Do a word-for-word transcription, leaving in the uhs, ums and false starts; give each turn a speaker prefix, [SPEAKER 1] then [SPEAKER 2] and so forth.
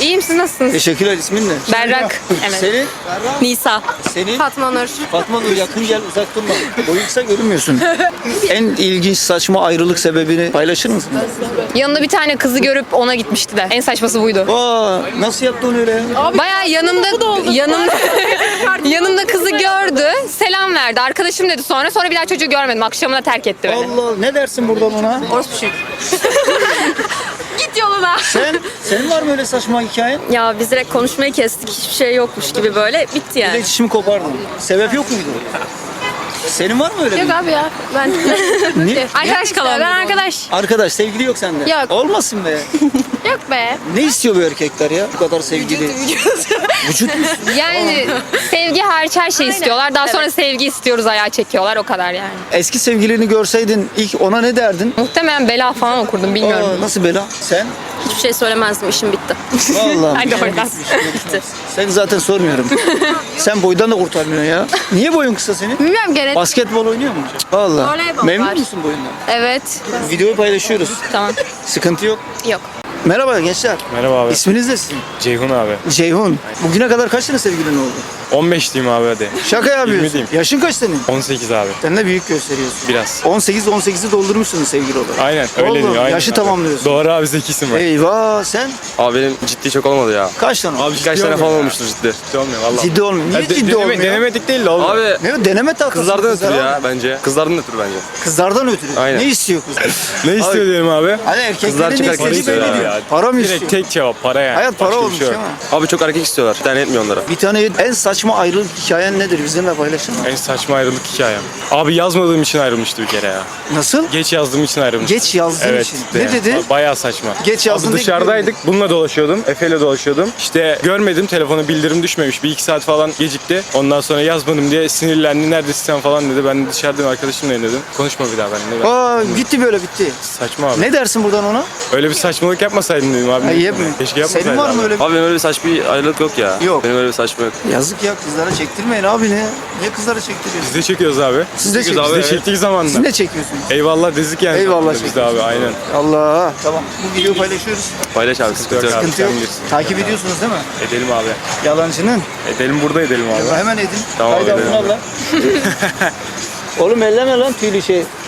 [SPEAKER 1] İyiyim, siz nasılsınız?
[SPEAKER 2] Teşekkürler. İsmin ne?
[SPEAKER 1] Berrak. Evet.
[SPEAKER 2] Senin?
[SPEAKER 1] Nisa.
[SPEAKER 2] Senin?
[SPEAKER 1] Fatma Nur.
[SPEAKER 2] Fatma Nur, yakın gel, uzak durma. Boyun kısa görünmüyorsun. En ilginç saçma ayrılık sebebini paylaşır mısın?
[SPEAKER 1] Yanında bir tane kızı görüp ona gitmişti de. En saçması buydu.
[SPEAKER 2] Aa, nasıl yaptı onu öyle ya?
[SPEAKER 1] Bayağı yanımda yanımda yanımda kızı gördü. Selam verdi. Arkadaşım dedi sonra. Sonra bir daha çocuğu görmedim. Akşamına terk etti beni.
[SPEAKER 2] Allah, ne dersin buradan ona?
[SPEAKER 1] Orospu çocuk. Git yoluna.
[SPEAKER 2] Sen, senin var mı öyle saçma hikayen?
[SPEAKER 3] Ya biz direkt konuşmayı kestik. Hiçbir şey yokmuş gibi böyle. Bitti yani.
[SPEAKER 2] İletişimi kopardın. Sebep yok muydu? Senin var mı öyle
[SPEAKER 3] Yok
[SPEAKER 2] bir?
[SPEAKER 3] abi ya. Ben
[SPEAKER 2] Niye?
[SPEAKER 1] Arkadaş kalalım.
[SPEAKER 3] ben arkadaş.
[SPEAKER 2] Arkadaş, sevgili yok sende.
[SPEAKER 3] Yok.
[SPEAKER 2] Olmasın be.
[SPEAKER 3] Yok be.
[SPEAKER 2] Ne istiyor bu erkekler ya? Bu kadar sevgili. Vücut.
[SPEAKER 1] Yani sevgi hariç her şey istiyorlar. Daha sonra sevgi istiyoruz ayağa çekiyorlar. O kadar yani.
[SPEAKER 2] Eski sevgilini görseydin ilk ona ne derdin?
[SPEAKER 1] Muhtemelen bela falan okurdum bilmiyorum.
[SPEAKER 2] Aa, nasıl bela? Sen?
[SPEAKER 3] Hiçbir şey söylemezdim. İşim bitti.
[SPEAKER 2] Vallahi.
[SPEAKER 1] Hadi oradan.
[SPEAKER 3] Bitti.
[SPEAKER 2] Seni zaten sormuyorum. Sen boydan da kurtarmıyorsun ya. Niye boyun kısa senin?
[SPEAKER 3] Bilmiyorum gene.
[SPEAKER 2] Basketbol oynuyor mu? Vallahi.
[SPEAKER 3] Voleybol
[SPEAKER 2] Memnun
[SPEAKER 3] var.
[SPEAKER 2] musun boyundan?
[SPEAKER 3] Evet.
[SPEAKER 2] Videoyu paylaşıyoruz.
[SPEAKER 3] Tamam.
[SPEAKER 2] Sıkıntı yok.
[SPEAKER 3] Yok.
[SPEAKER 2] Merhaba gençler.
[SPEAKER 4] Merhaba abi.
[SPEAKER 2] İsminiz ne sizin?
[SPEAKER 4] Ceyhun abi.
[SPEAKER 2] Ceyhun. Bugüne kadar kaç tane sevgilin oldu?
[SPEAKER 4] on beş diyeyim abi hadi.
[SPEAKER 2] Şaka yapıyorsun.
[SPEAKER 4] diyeyim.
[SPEAKER 2] Yaşın kaç senin?
[SPEAKER 4] on sekiz abi.
[SPEAKER 2] Sen de büyük gösteriyorsun.
[SPEAKER 4] Biraz.
[SPEAKER 2] on sekiz on sekizi doldurmuşsunuz sevgili olarak.
[SPEAKER 4] Aynen öyle
[SPEAKER 2] Oğlum,
[SPEAKER 4] diyor. Aynen
[SPEAKER 2] yaşı
[SPEAKER 4] abi.
[SPEAKER 2] tamamlıyorsun.
[SPEAKER 4] Doğru abi zekisin var.
[SPEAKER 2] Eyvah, sen
[SPEAKER 5] Abi benim ciddi çok olmadı ya.
[SPEAKER 2] kaç tane?
[SPEAKER 4] Abi
[SPEAKER 5] Birkaç
[SPEAKER 4] ciddi
[SPEAKER 5] sene
[SPEAKER 4] olmuyor
[SPEAKER 5] falan
[SPEAKER 4] ya.
[SPEAKER 5] olmuştur ciddi.
[SPEAKER 4] Ciddi olmuyor valla.
[SPEAKER 2] Ciddi olmuyor. Niye
[SPEAKER 4] Ya de-
[SPEAKER 2] ciddi
[SPEAKER 4] deneme-
[SPEAKER 2] olmuyor?
[SPEAKER 4] Denemedik değil de olmuyor.
[SPEAKER 5] Abi
[SPEAKER 2] Ne o, deneme tahtası
[SPEAKER 5] kızlardan
[SPEAKER 2] kızlar
[SPEAKER 5] ötürü
[SPEAKER 2] abi.
[SPEAKER 5] ya bence. Kızlardan ötürü bence.
[SPEAKER 2] Kızlardan ötürü.
[SPEAKER 5] Aynen.
[SPEAKER 2] Ne istiyor kız?
[SPEAKER 4] Ne istiyor diyelim abi?
[SPEAKER 2] Hani erkeklerin
[SPEAKER 5] Kızlar
[SPEAKER 2] ne
[SPEAKER 5] çıkar
[SPEAKER 2] istediği
[SPEAKER 5] istiyor
[SPEAKER 2] belli
[SPEAKER 5] abi
[SPEAKER 2] değil.
[SPEAKER 4] ya.
[SPEAKER 2] Para mı
[SPEAKER 4] Direkt
[SPEAKER 2] istiyor?
[SPEAKER 4] tek cevap para yani.
[SPEAKER 2] Hayat para
[SPEAKER 4] Başka bir
[SPEAKER 2] olmuş
[SPEAKER 4] şey yok.
[SPEAKER 2] değil mi?
[SPEAKER 5] Abi çok erkek istiyorlar. Bir tane etmiyor onlara.
[SPEAKER 2] Bir tane en saçma ayrılık hikayen nedir? Bizimle paylaşır mısın?
[SPEAKER 4] En saçma ayrılık hikayem. Abi yazmadığım için ayrılmıştı bir kere ya.
[SPEAKER 2] Nasıl?
[SPEAKER 4] Geç yazdığım için ayrılmıştı.
[SPEAKER 2] Geç yazdığın
[SPEAKER 4] Evet.
[SPEAKER 2] için.
[SPEAKER 4] işte
[SPEAKER 2] Ne
[SPEAKER 4] yani.
[SPEAKER 2] dedi?
[SPEAKER 4] Bayağı saçma.
[SPEAKER 2] Geç yazdın
[SPEAKER 4] Abi
[SPEAKER 2] da
[SPEAKER 4] dışarıdaydık. Bununla dolaşıyordum. Efe'yle dolaşıyordum. İşte görmedim. Telefona bildirim düşmemiş. Bir iki saat falan gecikti. Ondan sonra yazmadım diye sinirlendi. Neredesin sen falan dedi. Ben de dışarıdayım arkadaşımlayım dedim. Konuşma bir daha benimle. Ben.
[SPEAKER 2] Aa, gitti böyle bitti.
[SPEAKER 4] Saçma abi.
[SPEAKER 2] Ne dersin buradan ona?
[SPEAKER 4] Öyle bir saçmalık yapmasaydın dedim abi.
[SPEAKER 2] Ha, yap-
[SPEAKER 4] Keşke yapmasaydın.
[SPEAKER 2] Senin var mı
[SPEAKER 4] abi.
[SPEAKER 2] öyle bir...
[SPEAKER 5] Abi benim öyle saçma bir ayrılık yok ya.
[SPEAKER 2] Yok.
[SPEAKER 5] Benim öyle bir saçma yok.
[SPEAKER 2] Yazık ya, kızlara çektirmeyin abi ne? Niye kızlara çektiriyorsun?
[SPEAKER 4] Biz de çekiyoruz abi.
[SPEAKER 2] Siz de
[SPEAKER 5] Çekiyoruz
[SPEAKER 2] çekiyorsunuz.
[SPEAKER 4] Biz de
[SPEAKER 5] evet.
[SPEAKER 4] çektiği
[SPEAKER 2] Siz
[SPEAKER 4] zamanda.
[SPEAKER 2] ne çekiyorsunuz?
[SPEAKER 4] Eyvallah dedik yani.
[SPEAKER 2] Eyvallah
[SPEAKER 4] Biz de abi aynen.
[SPEAKER 2] Allah. Tamam. Bu videoyu paylaşıyoruz.
[SPEAKER 5] Paylaş abi sıkıntı
[SPEAKER 4] yok
[SPEAKER 5] yok.
[SPEAKER 4] abi.
[SPEAKER 2] Sıkıntı yok.
[SPEAKER 4] sen bilirsin.
[SPEAKER 2] Takip ediyorsunuz değil mi?
[SPEAKER 4] Edelim abi.
[SPEAKER 2] Yalancının.
[SPEAKER 4] Edelim burada edelim abi.
[SPEAKER 2] Hemen edin.
[SPEAKER 5] Tamam,
[SPEAKER 2] Haydi
[SPEAKER 5] edelim.
[SPEAKER 2] altına al lan. Oğlum elleme lan tüylü şey.